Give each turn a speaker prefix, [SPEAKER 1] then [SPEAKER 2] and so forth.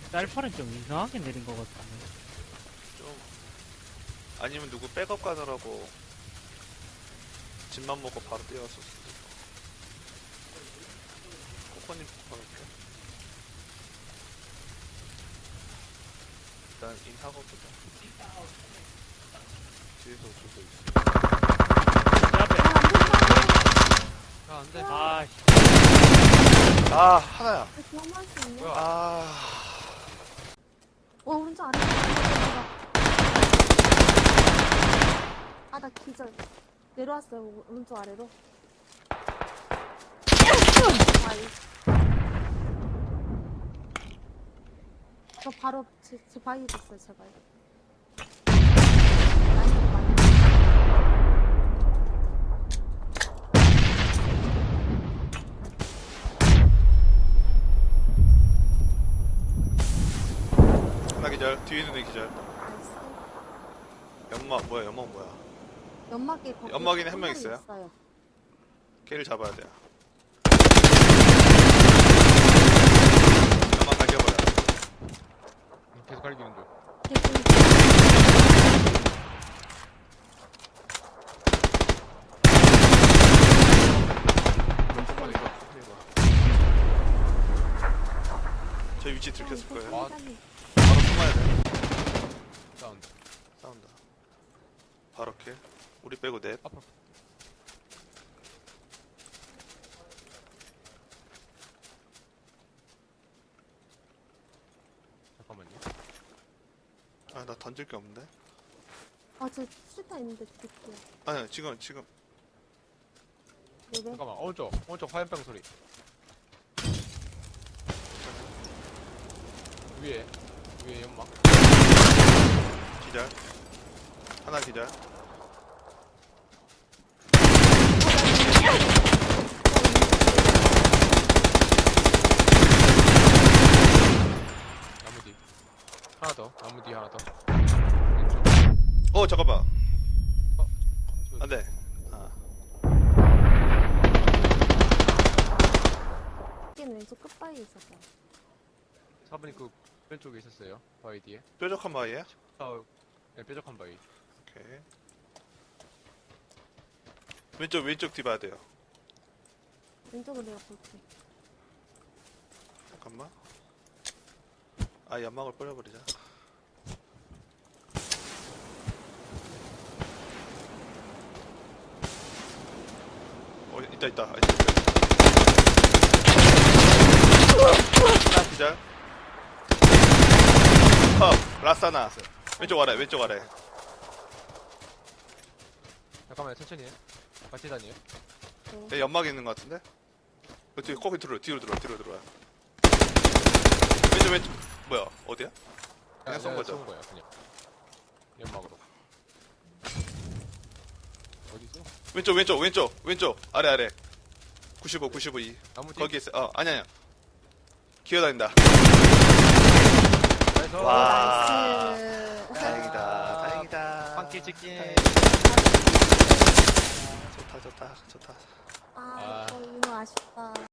[SPEAKER 1] 쌀파는 좀 이상하게 내린 것 같은데.
[SPEAKER 2] 좀 아니면 누구 백업 가느라고 집만 먹고 바로 뛰어왔을 수도 있고. 코코님 볼게. 일단 인사고 보자. 뒤에서 오고 있어.
[SPEAKER 1] 제 앞에.
[SPEAKER 3] 야, 안 돼.
[SPEAKER 1] 아, 씨.
[SPEAKER 2] 아 하나야.
[SPEAKER 4] 경험할 수 있냐?
[SPEAKER 3] 뭐야?
[SPEAKER 2] 아
[SPEAKER 4] 오른쪽 아래. 아, 나 기절. 내려왔어요, 오른쪽 아래로. 아이. 저 바로 제 바위 됐어요, 제발.
[SPEAKER 2] 하나 기절. 뒤에 있는 애 기절.
[SPEAKER 4] 나이스.
[SPEAKER 2] 연막 뭐야? 연막 뭐야?
[SPEAKER 4] 연막에 거기
[SPEAKER 2] 연막에는 한 명
[SPEAKER 4] 마리
[SPEAKER 2] 있어요? 걔를 잡아야 돼요. 연막 갈겨버려.
[SPEAKER 3] 계속 갈기는 중.
[SPEAKER 4] 개꿀.
[SPEAKER 3] 잠깐만, 이거.
[SPEAKER 2] 저 위치 들켰을 거예요.
[SPEAKER 3] 아.
[SPEAKER 2] 바로 숨어야 돼.
[SPEAKER 3] 사운드.
[SPEAKER 2] 싸운다. 바로 킬. 우리 빼고 넷.
[SPEAKER 3] 앞으로. 잠깐만요.
[SPEAKER 2] 아, 나 던질 게 없는데?
[SPEAKER 4] 아, 저 수류탄 있는데 드릴게요.
[SPEAKER 2] 아니, 지금.
[SPEAKER 4] 네네.
[SPEAKER 3] 잠깐만, 오른쪽 화염병 소리. 위에 연막.
[SPEAKER 2] 기절. 하나 기절.
[SPEAKER 3] 나무 뒤. 하나 더. 나무 뒤 하나 더.
[SPEAKER 2] 잠깐만.
[SPEAKER 3] 왼쪽.
[SPEAKER 2] 안 돼. 아,
[SPEAKER 4] 여기는 왼쪽 끝바위에 있었어요.
[SPEAKER 3] 4번이 그 왼쪽에 있었어요. 바위 뒤에.
[SPEAKER 2] 뾰족한 바위에?
[SPEAKER 3] 네, 뾰족한 바위.
[SPEAKER 2] 오케이. 왼쪽 뒤 봐야 돼요.
[SPEAKER 4] 왼쪽으로 내가 볼게.
[SPEAKER 2] 잠깐만. 아, 연막을 뿌려버리자. 있다. 하나 기절. 라사나. 왼쪽 아래.
[SPEAKER 3] 잠깐만요, 천천히 해. 같이 다녀요.
[SPEAKER 2] 얘 연막에 있는 것 같은데? 뒤에 거기 뒤로 들어와. 왼쪽. 뭐야, 어디야? 그냥 쏜 거죠?
[SPEAKER 3] 쏜 거야, 그냥. 연막으로. 어디서?
[SPEAKER 2] 왼쪽. 아래. 95, 2.
[SPEAKER 3] 나무 뒤.
[SPEAKER 2] 거기 있어. 아니야. 기어다닌다.
[SPEAKER 3] 나이스.
[SPEAKER 2] 와.
[SPEAKER 4] 나이스.
[SPEAKER 2] 다행이다.
[SPEAKER 3] 빵길 찍기.
[SPEAKER 2] 좋다.
[SPEAKER 4] 아, 이거 아쉽다.